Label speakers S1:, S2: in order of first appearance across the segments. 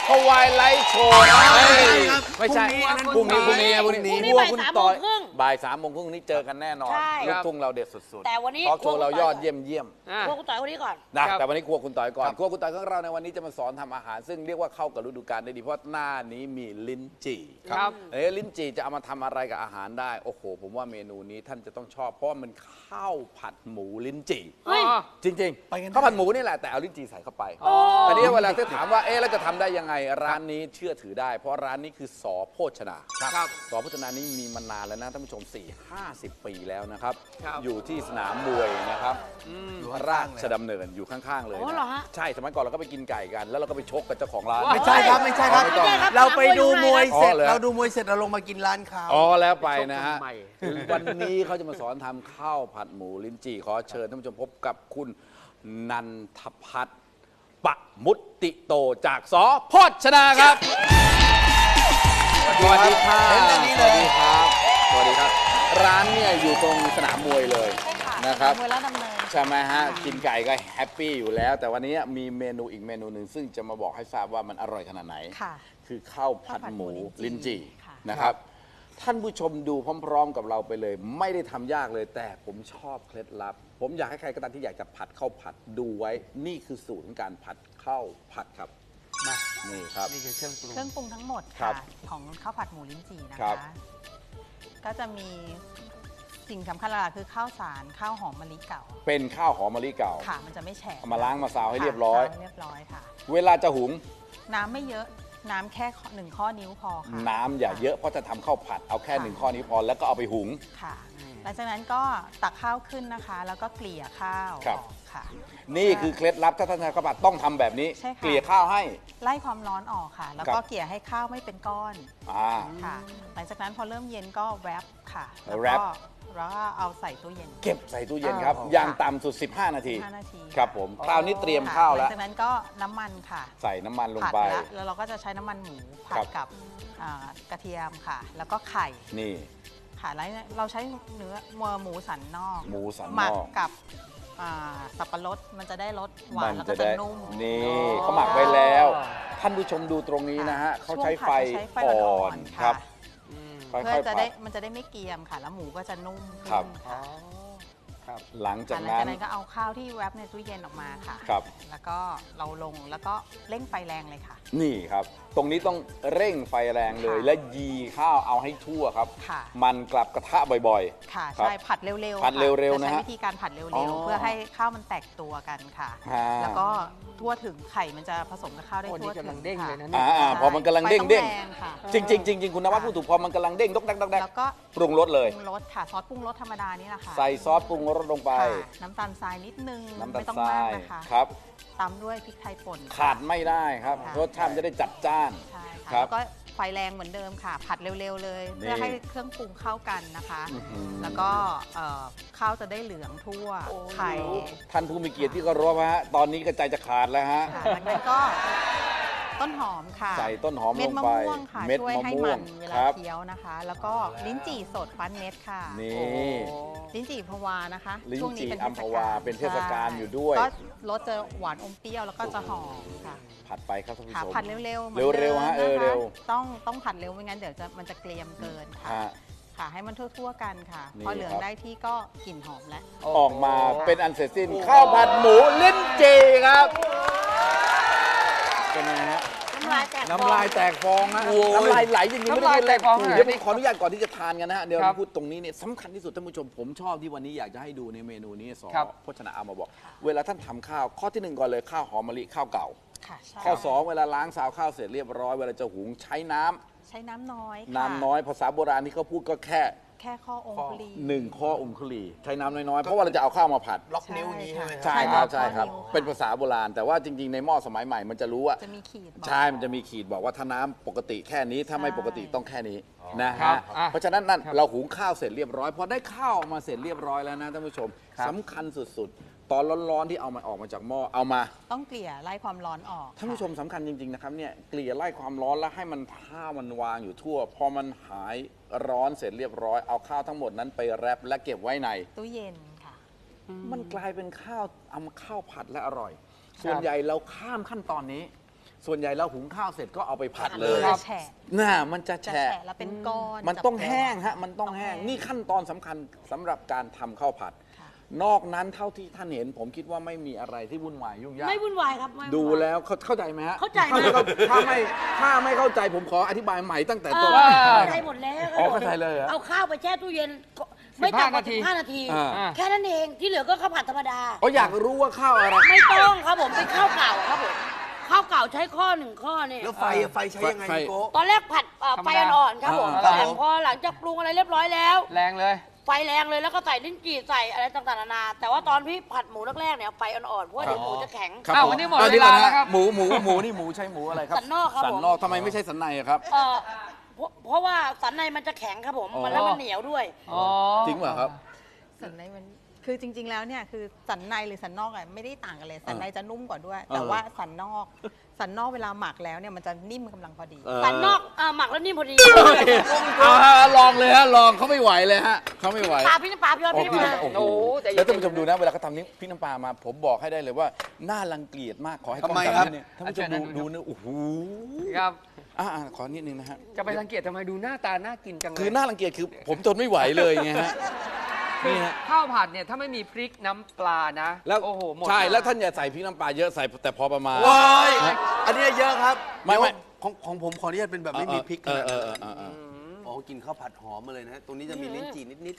S1: ทวายไลท์โชว์ไม่ใช่พรุ่งนี้วัวคุณต่อยบ่าย3:30นี้เจอกันแน่นอนลูกทุ่งเราเด็ดสุดๆ
S2: แต่วันนี้
S1: ทอล์กโชว์เรายอดเยี่ยม
S2: ครัวคุณต่อยคนนี้ก่อน
S1: นะแต่วันนี้ครัวคุณต่อยก่อนครัวคุณต่อยของเราในวันนี้จะมาสอนทำอาหารซึ่งเรียกว่าเข้ากับฤดูกาลได้ดีเพราะหน้านี้มีลิ้นจี่
S3: ครับ
S1: ลิ้นจี่จะเอามาทำอะไรกับอาหารได้โอ้โหผมว่าเมนูนี้ท่านจะต้องชอบเพราะว่ามันข้าวผัดหมูลิ้นจี่จริงๆข้าวผัดหมูนี่แหละแต่เอาลิ้นจี่ใส่เข้าไปอันนี้เวลาที่ถามว่าแล้วจะทำได้ยังไงร้านนี้เชื่อถือได้เพราะร้านนี้คือสอโภชนาสอโภชนานี้มีมานานแล้วนะท่านผู้ชม 4-50 ปีแล้วนะครับอยู่ที่สนามมวยนะครับอยู่ราชดำเนินอยู่ข้างๆเลยนะใช่สมัยก่อนเราก็ไปกินไก่กันแล้วเราก็ไปชกกับเจ้าของร้าน
S3: ไม่ใช่ครับเราไปดูมวยเสร็จเราลงมากินร้านเขา
S1: แล้วไปนะฮะวันนี้เขาจะมาสอนทำข้าวผัดหมูลิ้นจี่ขอเชิญท่านผู้ชมพบกับคุณนันทพัฒน์ปมุตติโตจากสอโภชนาครับสวัสดีครับสวัสดีครับร้านเนี่ยอยู่ตรงสนามมวยเลยนะครับ
S2: มวยแล้วดำเนิน
S1: ใช่ไหมฮะกินไก่ก็แฮปปี้อยู่แล้วแต่วันนี้มีเมนูอีกเมนูหนึ่งซึ่งจะมาบอกให้ทราบว่ามันอร่อยขนาดไหนคือข้าวผัดหมูลิ้นจี่นะครับท่านผู้ชมดูพร้อมๆกับเราไปเลยไม่ได้ทำยากเลยแต่ผมชอบเคล็ดลับผมอยากให้ใครก็ตามที่อยากจะผัดข้าวผัดดูไว้นี่คือสูตรของการผัดข้าวผัดครับนี่ครับ
S3: นี่คือเครื่องปรุ
S4: งทั้งหมดค่ะของข้าวผัดหมูลิ้นจี่นะคะก็จะมีสิ่งสำคัญหลักคือข้าวสารข้าวหอมมะลิเก่า
S1: เป็นข้าวหอมมะลิเก่า
S4: ค่ะมันจะไม่แฉะ
S1: มาล้างมาซาวให้เรียบร้อย
S4: ค่ะ
S1: เวลาจะหุง
S4: น้ำไม่เยอะน้ำแค่1 ข้อนิ้วพอค่ะ
S1: น้ำอย่าเยอะเพราะจะทำข้าวผัดเอาแค่1 ข้อนิ้วพอแล้วก็เอาไปหุง
S4: ค่ะหลังจากนั้นก็ตักข้าวขึ้นนะคะแล้วก็เกลี่ยข้าวค่ะ
S1: นี่คือเคล็ดลับถ้าท่านทำข้าวผัดต้องทำแบบนี้เกลี่ยข้าวให้
S4: ไล่ความร้อนออกค่ะแล้วก็เกลี่ยให้ข้าวไม่เป็นก้อนค่ะหลังจากนั้นพอเริ่มเย็นก็แรปค่ะแล้วก็เอาใส่ตู้เย็น
S1: เก็บใส่ตู้เย็นครับอย่างต่ำสุด15 นาทีครับผมคราวนี้เตรียมข้าวแล้ว
S4: หลังจากนั้นก็น้ำมันค่ะ
S1: ใส่น้ำมันลงไป
S4: แล้วเราก็จะใช้น้ำมันหมูผัดกับกระเทียมค่ะแล้วก็ไข่
S1: นี่
S4: ค่ะแล้วเราใช้เนื้อหมูสันนอก
S1: ห
S4: มักกับสับปะรดมันจะได้รสหวานแล้วก็จะนุ่ม
S1: นี่เขาหมักไว้แล้วท่านผู้ชมดูตรงนี้นะฮะเขาใช้ไฟอ่อนครับ
S4: เพื่อจะได้มันจะได้ไม่เกรียมค่ะแล้วหมูก็จะนุ่มขึ้นค่ะ
S1: หลังจากนั้น
S4: ก็เอาข้าวที่แวบในตู้เย็นออกมาค่ะแล้วก็เราลงแล้วก็เร่งไฟแรงเลยค่ะ
S1: นี่ครับตรงนี้ต้องเร่งไฟแรงเลยและยีข้าวเอาให้ทั่วครับมันกลับกระทะบ่อย
S4: ๆค่ะใช่ผัดเร็วๆ
S1: ผัดเร็วๆนะ
S4: ใช้
S1: ฮะ
S4: วิธีการผัดเร็วๆเพื่อให้ข้าวมันแตกตัวกันค่ะแล้วก็ทั่วถึงไข่มันจะผสมกับข้าวได้ทั่วถึง
S3: เด้งเลยนะ
S1: พอมันกำลังเด้งจริงคุณนวัดพูดถูกพอมันกำลังเด้งดก
S4: แล้วก็
S1: ปรุงรสเลย
S4: ปรุงรสค่ะซอสปรุงรสธรรมดานี่แหละค่ะ
S1: ใส่ซอสปรุงรสลงไป
S4: น้ำตาลทรายนิดนึง
S1: ไม่
S4: ต้องมากนะคะ
S1: ครับ
S4: ตามด้วยพริกไทยป่น
S1: ขาดไม่ได้ครับรสชาติจะได้จัดจ้าน
S4: ใช่ค่ะแล้วก็ไฟแรงเหมือนเดิมค่ะผัดเร็วๆเลยเพื่อให้เครื่องปรุงเข้ากันนะคะแล้วก็ข้าวจะได้เหลืองทั่วไข่
S1: ท่านผู้มีเกียรติที่เคารพฮะตอนนี้กระจายจะขาดแล้วฮะ
S4: จากนั้นก็ต้นหอมค่ะ
S1: ใส่ต้นหอมลงไป
S4: เม็ดมะม่วงค่ะช่วยให้มันเวลาเคี้ยวนะคะแล้วก็ลิ้นจี่สดฟันเม็ดค่ะ
S1: นี่
S4: ลิ้นจี่พวานะคะ
S1: ช่วงนี้เป็นอัมพวาเป็นเทศกาลอยู่ด้วย
S4: ก็รสจะหวานอมเปรี้ยวแล้วก็จะหอมค่ะ
S1: ผัดไปครับท่านผู้ชม
S4: ผัดเร็ว
S1: ๆฮะเร็ว
S4: ต้องผัดเร็วไม่งั้นเดี๋ยวมันจะเกรียมเกินค่ะให้มันทั่วๆกันค่ะพอเหลืองได้ที่ก็กลิ่นหอมแล้ว
S1: ออกมาเป็นอันเสร็จสิ้นข้าวผัดหมูลิ้นจี่ครับเป็นไงฮะน้ำลายแตกฟองนะน้ำลายไหลจริงๆไม่ได้แตกฟองเดี๋ยวผมขออนุญาตก่อนที่จะทานกันนะฮะเดี๋ยวพูดตรงนี้เนี่ยสำคัญที่สุดท่านผู้ชมผมชอบที่วันนี้อยากจะให้ดูในเมนูนี้สอโภชนาเอามาบอกเวลาท่านทำข้าวข้อที่1ก่อนเลยข้าวหอมมะลิข้าวเก่าข้อ2เวลาล้างซาวข้าวเสร็จเรียบร้อยเวลาจะหุงใช้น้
S4: ำน้อย
S1: น้ำน้อยภาษาโบราณที่เขาพูดก็แค่
S4: ข้อองคุลี
S1: 1 ข้อองคุลีใช้น้ำน้อยๆเพราะว่าเราจะเอาข้าวมาผัด
S3: ล็อกนิ้วนี้ใช่ไหม
S1: ใช่ครับเป็นภาษาโบราณแต่ว่าจริงๆในหม้อสมัยใหม่มันจะรู้ว่า
S4: จะมีขีด
S1: ใช่มันจะมีขีดบอกว่าถ้าน้ำปกติแค่นี้ถ้าไม่ปกติต้องแค่นี้นะฮะเพราะฉะนั้นนั่นเราหุงข้าวเสร็จเรียบร้อยพอได้ข้าวมาเสร็จเรียบร้อยแล้วนะท่านผู้ชมสำคัญสุดๆตอนร้อนๆที่เอามันออกมาจากหม้อเอามา
S4: ต้องเกลี่ยไล่ความร้อนออก
S1: ท่านผู้ชมสำคัญจริงๆนะครับเนี่ยเกลี่ยไล่ความร้อนแล้วให้มันข้าวมันวางอยู่ทั่วพอมันหายร้อนเสร็จเรียบร้อยเอาข้าวทั้งหมดนั้นไปแรปและเก็บไว้ใน
S4: ตู้เย็นค่ะ
S1: มันกลายเป็นข้าวเอามาข้าวผัดและอร่อยส่วนใหญ่เราข้ามขั้นตอนนี้ส่วนใหญ่เราหุงข้าวเสร็จก็เอาไปผัดเลย
S4: จะแฉะ
S1: น่ามันจะ
S4: จะ
S1: แฉะ
S4: แฉะแล้วเป็นก้อน
S1: มันต้อง
S4: จับ
S1: แห้งฮะมันต้อง
S4: ต้อง
S1: แห้ง
S4: แห้ง
S1: นี่ขั้นตอนสำคัญสำหรับการทำข้าวผัด
S4: ค่ะ
S1: นอกนั้นเท่าที่ท่านเห็น ผมคิดว่าไม่มีอะไรที่วุ่นวายยุ่งยาก
S2: ไม่วุ่นวายครับไม่วุ่นวาย
S1: ดูแล้วเข้าใจไหมฮะ
S2: เข้าใจมาก
S1: ถ้าไม่เข้าใจผมขออธิบายใหม่ตั้งแต่ต้น
S2: เข้าใจหมดแล้ว
S1: อ๋อเข้าใจเลยเหรอ
S2: เอาข้าวไปแช่ตู้เย็นไม่ต่ำกว่า15 นาที
S1: อ่า
S2: แค่นั้นเองที่เหลือก็ข้าวผัดธรรมดา
S1: อ๋ออยากรู้ว่าข้าวอะไร
S2: ไม่ต้องครับผมเป็นข้าวเก่าครับผมข้าวเก่าใช้ข้อ1ข้อเนี่ย
S3: แล้วไฟใช้ยังไง
S1: ไฟ
S3: พี่โก้
S2: ตอนแรกผัดไฟอ่อนๆครับผม
S3: ครับ
S2: แต่พอหลังจากปรุงอะไรเรียบร้อยแล้ว
S5: แรงเลย
S2: ไฟแรงเลยแล้วก็ใส่ลิ้นจี่ใส่อะไรต่างๆนานาแต่ว่าตอนพี่ผัดหมูแรกๆเนี่ยไฟอ่อนๆเพราะว่าเดี๋ยวหมูจะแข็ง
S1: ครับ
S5: อ้าว
S1: ผม
S5: วันนี้หมด
S1: อ่ะ
S5: เวลา
S1: ดี๋ยก่อนนะ
S5: แล้วครับ
S1: หมูนี่หมูใช้หมูอะไรครับ
S2: สันนอกครับ
S1: สัน
S2: ผม
S1: นอกทำไมไม่ใช่สันในอะครับ
S2: เพราะว่าสันในมันจะแข็งครับผม
S1: อ๋อ
S2: มันแล้วมันเหนียวด้วย
S5: อ๋อ
S1: จริงเปล่ะครับ
S4: สันในมันคือจริง ๆ แล้วเนี่ยคือสันในหรือสันนอกอะไม่ได้ต่างกันเลยสันในจะนุ่มกว่าด้วย แต่ว่าสันนอกเวลาหมักแล้วเนี่ยมันจะนิ่มกำลังพอดี
S2: สันนอกหมักแล้วนิ่มพอดี
S1: เอาฮะลองเลยฮะลองเขาไม่ไหวเลยฮะเขาไม่ไหว
S2: ปลาพี่น้ำปลาพี่ยอด
S1: โอ้
S2: พี่
S1: พี่
S2: น้ำปลา
S1: น้ำโอ้โห
S5: โอ้โหใจเย็น
S1: แล้วท่านผู้ชมดูนะเวลาเขาทำนี้พี่น้ำปลามา ผมบอกให้ได้เลยว่าน่ารังเกียจมากขอให้กล้อง
S3: ทำไม
S1: จั
S3: ครับ
S1: นิดนึงท่านผู้ชมดูนะโอ้โห
S5: ครับ
S1: ขอนิดนึงนะฮะ
S5: จะไปรังเกียจทำไมดูหน้าตาน่ากินจังเลย
S1: คือน่ารังเกียจคือผมทนไม่ไหวเลยไงฮะนี่ฮะ
S5: ข้าวผัดเนี่ยถ้าไม่มีพริกน้ำปลานะ
S1: แล้ว
S5: โอ้โหหมด
S1: ใช่แล้วท่านอย่าใส่พริกน้ำปลาเยอะใส่แต่พอประมาณ
S3: ว้ายอันนี้เยอะครับ
S1: ไม่
S3: ของผมขออนุญาตเป็นแบบไม่มีพริกขนาดนั้น
S1: เออ
S3: อ๋อกินข้าวผัดหอมมาเลยนะ ตรงนี้จะมีลิ้นจี่นิด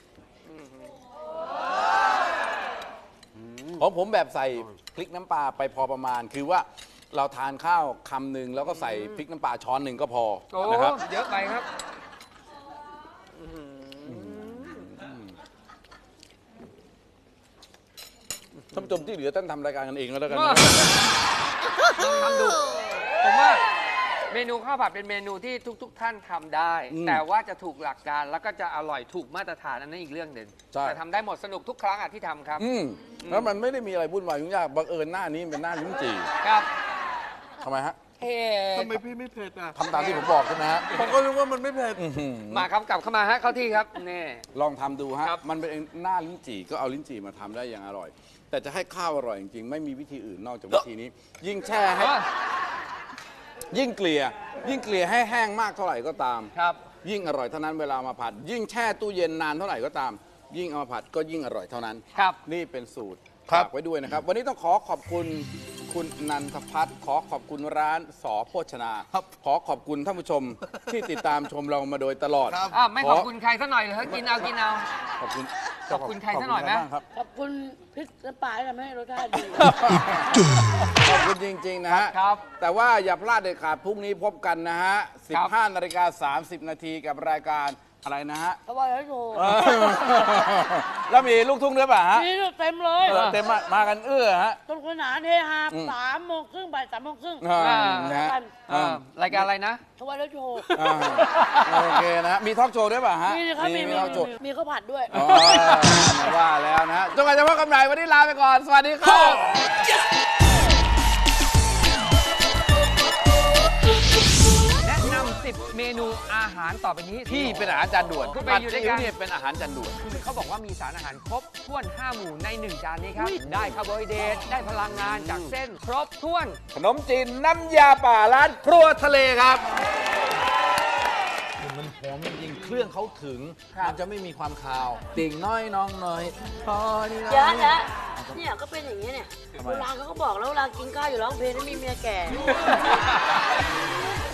S1: ของผมแบบใส่พริกน้ำปลาไปพอประมาณ คือว่าเราทานข้าวคำหนึ่งแล้วก็ใส่พริกน้ำปลาช้อนหนึ่งก็พอ
S5: โอ้
S1: นะครับ
S5: เยอะไปครับ
S1: ท่านผู้ชมที่เหลือท่านทำรายการกันเองแล้วกันนะ
S5: ทำดู ผมว่าเมนูข้าวผัดเป็นเมนูที่ทุก ๆ ท่านทำได้ แต่ว่าจะถูกหลักการแล้วก็จะอร่อยถูกมาตรฐานอันนั้นอีกเรื่องหนึ่ง
S1: ใช่
S5: แต่ทำได้หมดสนุกทุกครั้งอ่ะที่ทำครับ
S1: แล้วมันไม่ได้มีอะไรวุ่นวายยุ่งยากบังเอิญหน้านี้เป็นหน้าลิ้นจี่
S5: ครับ
S1: ทำไมฮะ
S5: เฮ้
S3: ๆทำไมพี่ไม่เผ็ดอ่ะ
S1: ทำตามที่ผมบอกใช่ไหมฮะ
S3: ผมก็รู้ว่ามันไม่เผ็ด
S5: มาครับกลับเข้ามาฮะเข้าที่ครับนี่
S1: ลองทำดูฮะ
S5: ครับ
S1: มันเป็นหน้าลิ้นจี่ก็เอาลิ้นจี่มาทำได้อย่างอร่อย แต่จะให้ข้าวอร่อยจริงๆไม่มีวิธีอื่นนอกจากวิธีนี้ ยิ่งแช่ให้ ยิ่งเกลี่ยให้แห้งมากเท่าไหร่ก็ตาม
S5: ครับ
S1: ยิ่งอร่อยเท่านั้นเวลามาผัด ยิ่งแช่ตู้เย็นนานเท่าไหร่ก็ตาม ยิ่งเอามาผัดก็ยิ่งอร่อยเท่านั้น
S5: ครับ
S1: นี่เป็นสูตร
S3: ครับ
S1: ฝากไว้ด้วยนะครับ วันนี้ต้องขอขอบคุณคุณนันทพัฒน์ขอขอบคุณร้านสอโภชนา ขอขอบคุณท่านผู้ชมที่ติดตามชมเรามาโดยตลอด
S5: ไม่ขอบคุณใครซะหน่อยเหรอกินเอากินเอา
S1: ขอบคุณ
S5: ขอบคุณใครซะหน่อยไหม
S1: ขบคุณใครบ้างครับ
S2: ขอบคุณพริกน้ำปลาที่ทำให้รสชาติดี
S1: ขอบคุณจริง ๆ นะฮะ
S5: ครับ
S1: แต่ว่าอย่าพลาดเด็ดขาดพรุ่งนี้พบกันนะฮะ
S5: ครับ
S1: 15:30 นาทีกับรายการอะไรนะฮะ
S2: เพราะว่าแล้วโชว์
S1: แล้วมีลูกทุ่งด้วยป่ะฮะ
S2: นี่เต็มเลย
S1: เต็มมากันเอื้อฮะ
S2: ต้นขนานเฮฮา3:30บ่าย3:30
S1: นะฮะ
S5: รายการอะไรนะ
S2: เพราะว่าแล้วโชว์
S1: โอเคนะ มีทอล์กโชว์ด้วยป่ะฮะ
S2: มีครับมี
S1: ทอล์กโชว์
S2: มีข้าวผัดด้วย
S1: อ๋อว่าแล้วนะฮะจนกว่าจะพบกันใหม่วันนี้ลาไปก่อน สวัสดีครับ
S5: แนะนำ10 เมนูอาหารต่อไปนี้
S1: ที่เป็นอาหารจานด่วน
S5: คุณไปอยู่ด้วยกัน
S1: ผัดซีอิ๊วเนี่ยเป็นอาหารจานด่วน
S5: คือเขาบอกว่ามีสารอาหารครบถ้วน 5 หมู่ใน 1 จานนี้ครับ ได้คาร์โบไฮเดรตได้พลังงานจากเส้น ครบถ้วน
S1: ขนมจีนน้ำยาป่าร้านครัวทะเลครับมันหอมจริงๆเครื่องเขาถึง มันจะไม่มีความคาว ติ่งน้อยน้องน้อยพอนี่นะ
S2: เยอะแล้วเนี่ยก็เป็นอย่างนี้เนี่ย
S1: ทำไม
S2: โบราณเขาก็บอกแล้วเวลากินข้าวอยู่ร้องเพลงแล้วมีเมียแก่